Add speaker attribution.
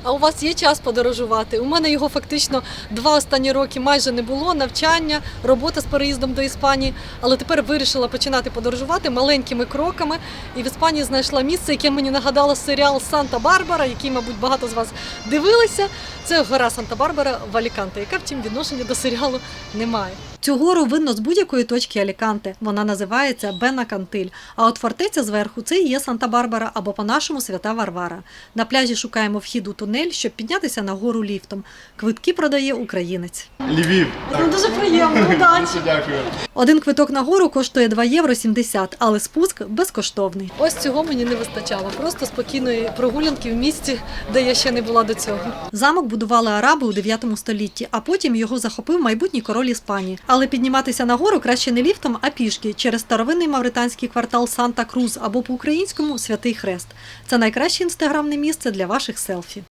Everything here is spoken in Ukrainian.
Speaker 1: А у вас є час подорожувати? У мене його фактично 2 останні роки майже не було, навчання, робота з переїздом до Іспанії. Але тепер вирішила починати подорожувати маленькими кроками. І в Іспанії знайшла місце, яке мені нагадало серіал «Санта-Барбара», який, мабуть, багато з вас дивилися. Це гора Санта-Барбара в Аліканте, яка, втім, відношення до серіалу не має. Цю гору видно з будь-якої точки Аліканте. Вона називається Бенакантиль. А от фортеця зверху – це і є Санта-Барбара або по-нашому Свята Варвара. На пляжі шукаємо вхід у тунель, щоб піднятися на гору ліфтом. Квитки продає українець.
Speaker 2: Львів.
Speaker 1: Дуже приємно, удачі!
Speaker 2: Дякую.
Speaker 1: Один квиток на гору коштує 2,70 євро, але спуск безкоштовний. Ось цього мені не вистачало. Просто спокійної прогулянки в місті, де я ще не була до цього. Замок будували араби у 9 столітті, а потім його захопив майбутній король Іспанії. Але підніматися на гору краще не ліфтом, а пішки через старовинний мавританський квартал Санта-Крус або по-українському Святий Хрест. Це найкраще інстаграмне місце для ваших селфі.